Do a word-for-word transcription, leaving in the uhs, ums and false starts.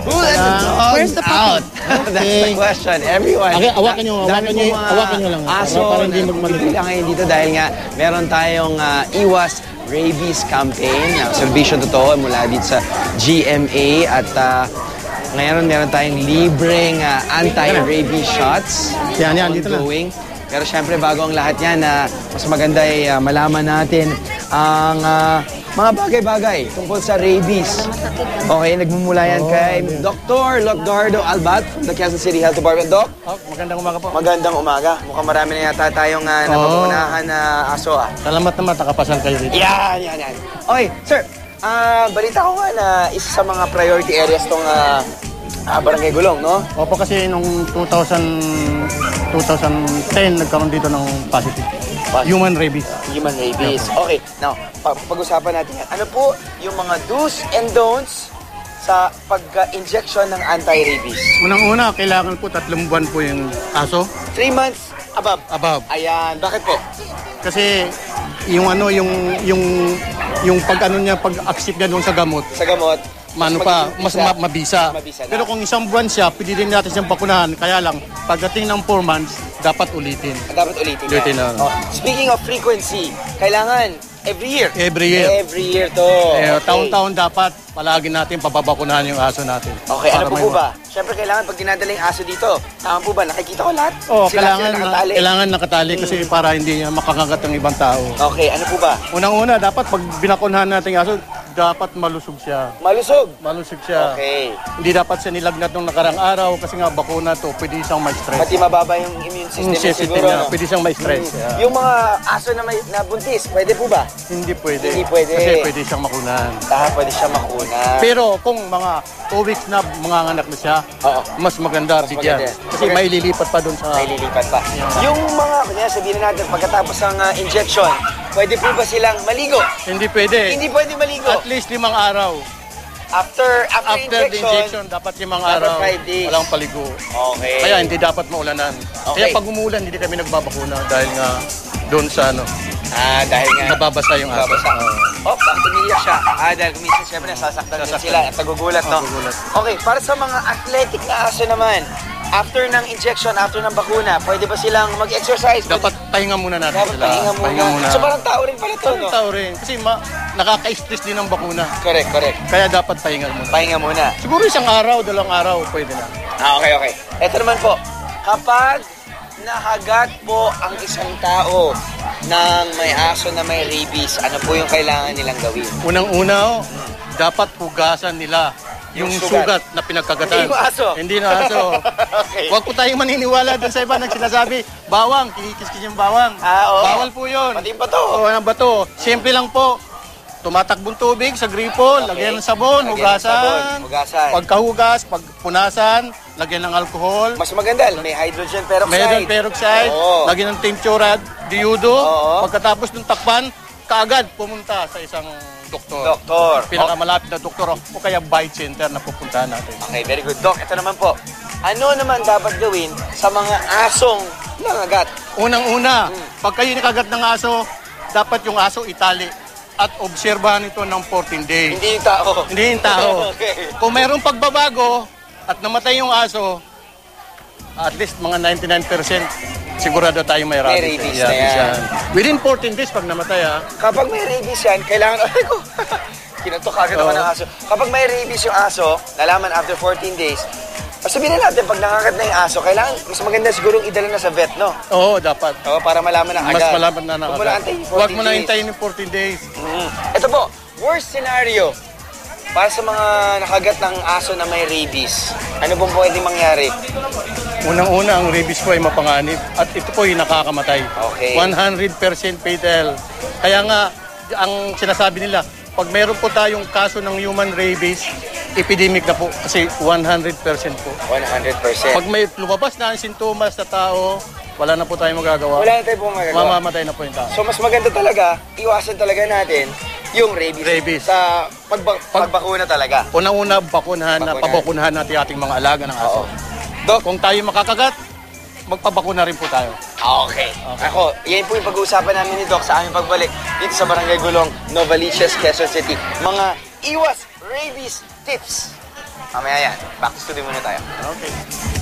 Who let the dogs Where's the out? That's the question. Everyone. Okay, awakan nyo, awakan nyo, awakan nyo lang. Aso Para hindi magmaliit. lang ngayon dito dahil nga meron tayong uh, Iwas Rabies campaign. Uh, Servisyo totoo mula dito sa G M A at uh, ngayon meron tayong libreng uh, anti-rabies shots. Yan, yan, dito na. Ongoing. Pero syempre bago ang lahat yan, uh, mas maganda ay uh, malaman natin ang uh, mga bagay-bagay tungkol sa rabies. Okay, nagmumula yan kay Doctor Locdardo Albat from the Quezon City Health Department. Doc? Oh, magandang umaga po. Magandang umaga. Mukhang marami na yata tayong uh, napapunahan na aso ah. Salamat naman, nakapasan kayo rito. Yan, yan, yan. Okay, sir. Uh, balita ko nga na isa sa mga priority areas tong uh, uh, Barangay Gulong, no? Opo, kasi nung two thousand, twenty ten nagkaroon dito ng positive. Human rabies. Human rabies. Okay, now, pag-usapan natin yan. Ano po yung mga do's and don'ts sa pag-injection ng anti-rabies? Unang-una, kailangan po tatlong buwan po yung aso. Three months above? Above. Ayan. Bakit po? Kasi yung ano, yung yung yung pag-ano niya, pag-accept niya doon sa gamot. Sa gamot? Mano pa, mas ma mabisa. mabisa Pero kung isang buwan siya, pwede din natin siyang bakunahan. Kaya lang, pagdating ng four months, dapat ulitin. Dapat ulitin na. Ulitin na. Oh, speaking of frequency, kailangan every year? Every year. Every year to. Eh, Okay. taon-taon dapat palagi natin pababakunahan yung aso natin. Okay, ano Para po may- po ba? Siyempre kailangan pag dinadala yung aso dito, tama po ba? Nakikita ko lahat? Oh, Sila- kailangan, sila nakatali. kailangan nakatali kasi para hindi niya makakagat ng ibang tao. Okay, ano po ba? Unang-una, dapat pag binakunahan natin yung aso, dapat malusog siya. Malusog. Malusog siya. Okay. Hindi dapat siya nilagnat nung nakarang araw kasi nga bakuna to, pwede siyang may stress. Pati mababa yung immune system Yung niya system siguro, niya, no? pwede siyang may stress. Mm. Yeah. Yung mga aso na may nabuntis, pwede po ba? Hindi pwede. Hindi pwede. Kasi pwede siyang makunahan. Ah, pwede siya makuna. Pero kung mga two weeks na manganganak na siya, Oo. mas maganda Mas bigyan. maganda. Kasi may lilipat pa doon sa... May lilipat pa. Yung mga, kanya sabihin na natin, pagkatapos ng uh, injection, pwede po ba silang maligo? Hindi pwede. Hindi pwede maligo. At least limang araw. After after, After the injection, dapat limang Dapat araw. five days. Walang paligo. Okay. Kaya hindi dapat maulanan. Okay. Kaya pag umulan, hindi kami nagbabakuna dahil nga doon sa ano, Ah, dahil nga. nababasa yung aso. Nababasa. Oo. Oh, bakit umiiyak siya? Ah, dahil kuminsan siyempre nasasaktan din Nasasaktan. sila at nagugulat, no? Nagugulat. Okay, para sa mga athletic na aso naman, after ng injection, after ng bakuna, pwede ba silang mag-exercise? Dapat pahinga muna natin Dapat sila. pahinga muna. So parang tao rin pala to, no? Tao rin. Kasi ma nakaka-stress din ang bakuna. Correct, correct. Kaya dapat pahinga muna. Pahinga muna. Siguro isang araw, dalawang araw, pwede na. Ah, okay, okay. Ito naman po, kapag nahagat po ang isang tao ng may aso na may rabies, ano po yung kailangan nilang gawin? Unang-una, oh, dapat hugasan nila yung, Yung sugat. sugat. na pinagkagatan. Hindi yung aso. Hindi na aso. Okay. Huwag po tayong maniniwala dun sa iba nang sinasabi, bawang, kinikis-kis yung bawang. Ah, oo. Bawal po yun. Pati yung bato. Oo, ang bato. Simple lang po. Tumatakbong tubig sa gripo, Okay. lagyan ng sabon, Lagyan ng hugasan. sabon, hugasan. Pagkahugas, pagpunasan, lagyan ng alcohol. Mas maganda, may hydrogen peroxide. Meron peroxide, Oo. lagyan ng tincture, diudo. Oo. Pagkatapos ng takpan, kaagad pumunta sa isang doktor. Doktor. Pinakamalapit na doktor o kaya bite center na pupuntahan natin. Okay, very good. Doc, ito naman po. Ano naman dapat gawin sa mga asong nangagat? Unang-una, Hmm. pag kayo nakagat ng aso, dapat yung aso itali at obserbahan ito ng fourteen days. Hindi yung tao. Hindi yung tao. Okay. Kung mayroong pagbabago at namatay yung aso, at least mga ninety-nine percent sigurado tayo may rabies. May rabies Yeah, na yan. yan. Within fourteen days pag namatay ha. Kapag may rabies yan, kailangan... Ay ko! Kinantok agad ako Oo. ng aso. Kapag may rabies yung aso, nalaman after fourteen days, sabihin na natin, pag nangagat na yung aso, kailangan, mas maganda sigurong idala na sa vet, no? Oo, dapat. Oo, para malaman na agad. Mas malaman na Huwag mo na nakagad. antayin yung Huwag fourteen mo na days. hintayin yung fourteen days. Mm. Ito po, worst scenario para sa mga nakagat ng aso na may rabies. Ano pong pwedeng mangyari? Unang-una, ang rabies po ay mapanganib at ito po ay nakakamatay. Okay. one hundred percent fatal. Kaya nga, ang sinasabi nila, pag meron po tayong kaso ng human rabies, epidemic na po kasi one hundred percent po. one hundred percent. Pag may lumabas na ang sintomas sa tao, wala na po tayong magagawa. Wala na tayo pong magagawa. Mamamatay na po yung tao. So mas maganda talaga, iwasan talaga natin yung rabies. Rabies. Sa pagba- pagbakuna talaga. Unang-una, bakunahan na, Bakunahan. pabakunahan natin ating mga alaga ng aso. Oo. Doc, Kung tayo makakagat, magpabakuna rin po tayo. okay. Ako, yan po yung pag-uusapan namin ni Doc sa aming pagbalik dito sa Barangay Gulong, Novaliches, Quezon City. Mga iwas rabies tips. Mamaya yan. Back to studio muna tayo. Okay.